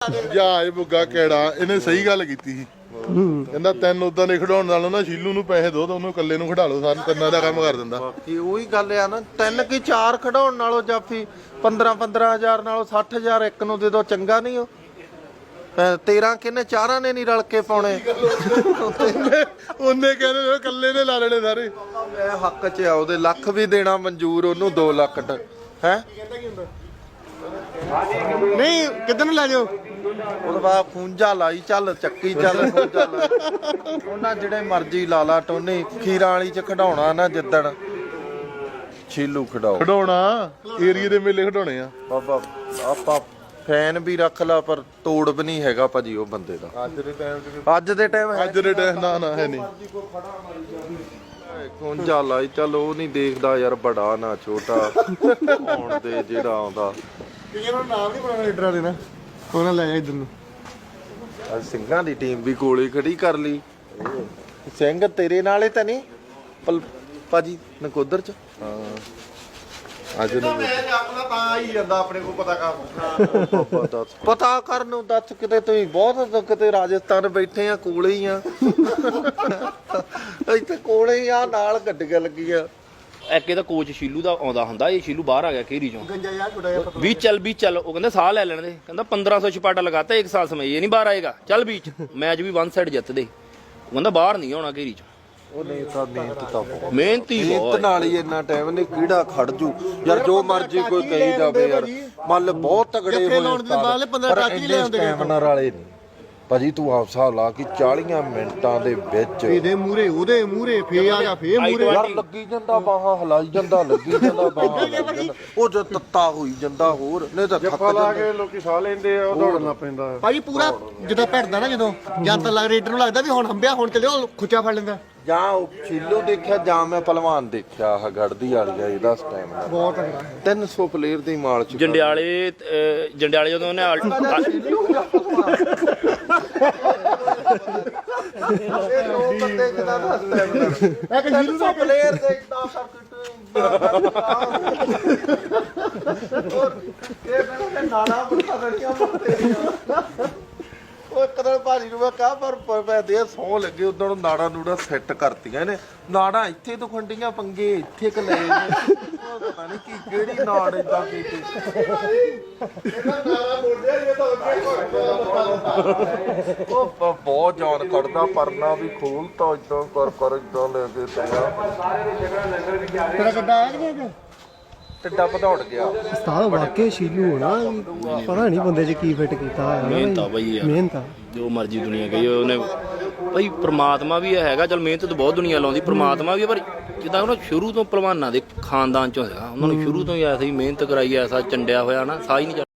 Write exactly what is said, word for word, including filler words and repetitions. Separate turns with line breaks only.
ਜਹਾਜ਼ ਬੁੱਗਾ ਕਿਹੜਾ ਇਹਨੇ ਸਹੀ ਗੱਲ ਕੀਤੀ ਸੀ। ਕਹਿੰਦਾ ਤਿੰਨ ਉਦਾਂ ਦੇ ਖਿਡਾਉਣ ਨਾਲੋਂ ਨਾ ਸ਼ੀਲੂ ਨੂੰ ਪੈਸੇ ਦੋ ਤਾਂ ਉਹਨੂੰ ਇਕੱਲੇ ਨੂੰ ਖਿਡਾ ਲਓ, ਸਾਨੂੰ ਤਿੰਨਾਂ ਦਾ ਕੰਮ ਕਰ ਦਿੰਦਾ।
ਬਾਕੀ ਉਹੀ ਗੱਲ ਆ ਨਾ, ਤਿੰਨ ਕੀ ਚਾਰ ਖਿਡਾਉਣ ਨਾਲੋਂ ਜਾਫੀ ਪੰਦਰਾਂ ਪੰਦਰਾਂ ਹਜ਼ਾਰ ਨਾਲੋਂ ਸੱਠ ਹਜ਼ਾਰ ਇੱਕ ਨੂੰ ਦੇ ਦੋ, ਚੰਗਾ ਨਹੀਂ ਉਹ? ਤੇਰਾਂ ਕਿੰਨੇ ਚਾਰਾਂ ਨੇ ਨਹੀਂ ਰਲ ਕੇ ਪਾਉਣੇ।
ਉਹਨੇ ਕਹਿੰਦੇ ਇਕੱਲੇ ਨੇ ਲਾ ਲੈਣੇ ਸਾਰੇ।
ਮੈਂ ਹੱਕ 'ਚ ਆ ਉਹਦੇ, ਲੱਖ ਵੀ ਦੇਣਾ ਮਨਜ਼ੂਰ ਉਹਨੂੰ, ਦੋ ਲੱਖ ਹੈ
ਨਹੀਂ ਕਿੱਧਰ ਨੂੰ ਲੈ ਜਾਓ।
ਉਹਦੇ ਬਾਅਦ ਖੂੰਜਾ ਲਾਈ ਚੱਲ, ਚੱਕੀ ਚੱਲ, ਖੂੰਜਾ ਲਾ ਉਹਨਾਂ ਜਿਹੜੇ ਮਰਜ਼ੀ ਲਾ ਲਾ ਟੋਨੀ। ਖੀਰਾਂ ਵਾਲੀ 'ਚ ਖਿਡਾਉਣਾ ਨਾ ਜਿੱਦਣ ਛੀਲੂ ਖਿਡਾਓ,
ਖਿਡਾਉਣਾ ਏਰੀਏ ਦੇ ਮੇਲੇ ਖਿਡਾਉਣੇ ਆ
ਬਾਬਾ। ਆਪਾਂ ਫੈਨ ਵੀ ਰੱਖ ਲਾ ਪਰ ਤੋੜ ਵੀ ਨਹੀਂ ਹੈਗਾ ਭਾਜੀ ਉਹ ਬੰਦੇ ਦਾ
ਅੱਜ ਦੇ ਟਾਈਮ
ਅੱਜ ਦੇ ਟਾਈਮ
ਅੱਜ ਦੇ ਟਾਈਮ ਨਾ ਨਾ ਹੈ ਨਹੀਂ।
ਖੂੰਜਾ ਲਾਈ ਚੱਲ, ਉਹ ਨਹੀਂ ਦੇਖਦਾ ਯਾਰ ਬੜਾ ਨਾ ਛੋਟਾ ਆਉਣ ਦੇ ਜਿਹੜਾ ਆਉਂਦਾ।
ਇਹਨਾਂ ਨੂੰ ਨਾਮ ਨਹੀਂ ਪਤਾ ਲੀਡਰਾਂ ਦੇ ਨਾ, ਉਹਨਾਂ ਲੈ ਜਾ ਇੱਧਰ ਨੂੰ।
ਅੱਜ ਸਿੰਘਾਂ ਦੀ ਟੀਮ ਵੀ ਕੋਲੇ ਖੜੀ ਕਰ ਲਈ। ਸਿੰਘ ਤੇਰੇ ਨਾਲੇ ਤਾਂ ਨਹੀਂ ਪਲ ਭਾਜੀ ਨਕੋਦਰ ਚ? ਹਾਂ ਅੱਜ ਨੂੰ
ਤਾਂ ਆਈ ਜਾਂਦਾ ਆਪਣੇ ਕੋਲ ਪਤਾ ਕਰ
ਪਤਾ ਕਰਨ ਨੂੰ ਦੱਸ, ਕਿਤੇ ਤੁਸੀਂ ਬਹੁਤ ਕਿਤੇ ਰਾਜਸਥਾਨ ਬੈਠੇ ਆ, ਕੋਲੇ ਹੀ ਆ ਇੱਥੇ ਕੋਲੇ ਹੀ ਆ, ਨਾਲ ਗੱਡੀਆਂ ਲੱਗੀਆਂ।
ਇੱਕ ਇਹਦਾ ਕੋਚ ਸ਼ੀਲੂ ਦਾ ਆਉਂਦਾ ਹੁੰਦਾ, ਇਹ ਸ਼ੀਲੂ ਬਾਹਰ ਆ ਗਿਆ ਖੇਰੀ ਚੋਂ।
ਗੰਜਾ ਯਾਰ ਛੋਟਾ ਜਿਹਾ
ਵੀ ਚੱਲ ਵੀ ਚੱਲ, ਉਹ ਕਹਿੰਦਾ ਸਾਹ ਲੈ ਲੈਣ ਦੇ, ਕਹਿੰਦਾ ਪੰद्रह सौ ਛਪਾਟਾ ਲਗਾਤਾ ਇੱਕ ਸਾਲ ਸਮੇਂ, ਇਹ ਨਹੀਂ ਬਾਹਰ ਆਏਗਾ, ਚੱਲ बीच ਮੈਚ ਵੀ ਵਨ ਸਾਈਡ ਜਿੱਤਦੇ। ਉਹ ਕਹਿੰਦਾ ਬਾਹਰ ਨਹੀਂ ਆਉਣਾ ਖੇਰੀ ਚੋਂ।
ਉਹ ਨਹੀਂ ਤਾਂ ਮਿਹਨਤ ਤਾਂ ਬਹੁਤ,
ਮਿਹਨਤੀ
ਮਿਹਨਤ
ਬਹੁਤ
ਨਾਲ ਹੀ ਇੰਨਾ ਟਾਈਮ ਨੇ ਕਿਹੜਾ ਖੜ ਜੂ ਯਾਰ, ਜੋ ਮਰਜੀ ਕੋਈ ਕਹੀ ਜਾਵੇ ਯਾਰ। ਮੰਨ ਬਹੁਤ ਤਗੜੇ ਹੋਏ
ਬਾਹਰਲੇ ਪੰਦਰਾਂ ਟਰੱਕ ਹੀ ਲੈ ਆਉਂਦੇ
ਸਟੈਮਿਨਰ ਵਾਲੇ ਨਹੀਂ ਭਾਜੀ। ਤੂੰ ਆਪ ਹਿਸਾਬ ਲਾ ਕਿ ਚਾਲੀਆਂ ਮਿੰਟਾਂ ਦੇ ਵਿੱਚ
ਇਹਦੇ ਮੂਰੇ ਉਹਦੇ ਮੂਰੇ ਫੇ ਆ ਗਿਆ, ਫੇ ਮੂਰੇ
ਯਾਰ ਲੱਗੀ ਜਾਂਦਾ, ਬਾਹਾਂ ਹਲਾਈ ਜਾਂਦਾ, ਲੱਗੀ ਜਾਂਦਾ ਬਾਹਾਂ ਹਲਾਈ ਜਾਂਦਾ। ਉਹ ਜੋ ਤੱਤਾ ਹੋਈ ਜਾਂਦਾ, ਹੋਰ ਨਹੀਂ ਤਾਂ ਥੱਕ ਜਾਂਦਾ।
ਲੋਕੀ ਸਾਹ ਲੈਂਦੇ ਆ, ਉਹ ਦੌੜਨਾ ਪੈਂਦਾ।
ਭਾਜੀ ਪੂਰਾ ਜਦੋਂ ਭੈੜਦਾ ਨਾ, ਜਦੋਂ ਜਦ ਤੱਕ ਰੇਡਰ ਨੂੰ ਲੱਗਦਾ ਵੀ ਹੁਣ ਹੰਬਿਆ, ਹੁਣ ਚੱਲਿਓ, ਖੁੱਚਾ ਫੜ ਲੈਂਦਾ।
ਜਾਂ ਉਹ ਛੀਲੂ ਦੇਖਿਆ ਜਾਂ ਮੈਂ ਪਹਿਲਵਾਨ ਦੇਖਿਆ ਆਹ ਗੜਦੀ ਵਾਲੀ ਆ, ਇਹਦਾ ਸਟੈਮਿਨਾ
ਬਹੁਤ ਤਗੜਾ ਹੈ।
ਤਿੰਨ ਸੌ ਪਲੇਅਰ ਦੀ ਮਾਲ ਚ
ਜੰਡਿਆਲੇ ਅਹ ਜੰਡਿਆਲੇ ਜਦੋਂ ਉਹਨੇ ਆਲ-
ਇਹ ਦੋ ਬੰਦੇ ਜਿਹਦਾ ਦਾ ਸਟੈਮਿਨਾ
ਇੱਕ ਜੀਰੂ ਦਾ
ਪਲੇਅਰ ਦੇ ਇਦਾਂ ਸਰਕਟ ਇਹ ਮੈਨੂੰ ਨਾੜਾ ਬਣਾ ਰੜੀਆਂ ਮਾਰਦੇ। ਉਹ ਇੱਕ ਦਿਨ ਭਾਜੀ ਨੂੰ ਮੈਂ ਕਹਾ ਪਰ ਮੈਂ ਦੇ ਸੌ ਲੱਗੇ, ਉਦੋਂ ਨੂੰ ਨਾੜਾ ਨੂੜਾ ਸੈੱਟ ਕਰਤੀਆਂ ਇਹਨੇ। ਨਾੜਾ ਇੱਥੇ ਤੋਂ ਖੰਡੀਆਂ ਪੰਗੇ ਇੱਥੇ ਕ ਲਏ ਨੇ, ਉਹ ਪਤਾ ਨਹੀਂ ਕੀ ਕਿਹੜੀ ਨਾੜ ਏਦਾਂ ਕੀਤੀ। ਉਹ ਬ- ਬਹੁਤ ਜਾਨ ਕੱਢਦਾ, ਪਰਨਾ ਵੀ ਖੋਲਤਾ ਏਦਾਂ ਕਰ ਕਰ ਏਦਾਂ ਲੈ ਕੇ ਪਿਆ।
ਤੇਰਾ ਗੱਡਾ ਆਇਆ ਕਿ ਨਹੀਂ?
ਟਿੱਡਾ ਭਦੌੜ ਗਿਆ।
ਉਸਤਾਦ ਵਾਕਈ ਸ਼ੀਲੂ ਹੋਣਾ, ਪਤਾ ਨਹੀਂ ਬੰਦੇ 'ਚ ਕੀ ਫਿੱਟ ਕੀਤਾ ਹੋਇਆ ਨਾ
ਮਿਹਨਤ ਆ ਬਈ ਯਾਰ,
ਮਿਹਨਤ ਆ।
ਜੋ ਮਰਜ਼ੀ ਦੁਨੀਆ ਕਹੀ ਉਹਨੇ ਬਈ, ਪ੍ਰਮਾਤਮਾ ਵੀ ਇਹ ਹੈਗਾ। ਚਲ ਮਿਹਨਤ ਤਾਂ ਬਹੁਤ ਦੁਨੀਆ ਲਾਉਂਦੀ, ਪ੍ਰਮਾਤਮਾ ਵੀ, ਪਰ ਜਿੱਦਾਂ ਉਹਨਾਂ ਸ਼ੁਰੂ ਤੋਂ ਪਹਿਲਵਾਨਾਂ ਦੇ ਖਾਨਦਾਨ ਚੋਂ ਹੈਗਾ, ਉਹਨਾਂ ਨੂੰ ਸ਼ੁਰੂ ਤੋਂ ਹੀ ਐਸੀ ਮਿਹਨਤ ਕਰਾਈ, ਐਸਾ ਚੰਡਿਆ ਹੋਇਆ ਨਾ, ਸਾਹ ਹੀ ਨਹੀਂ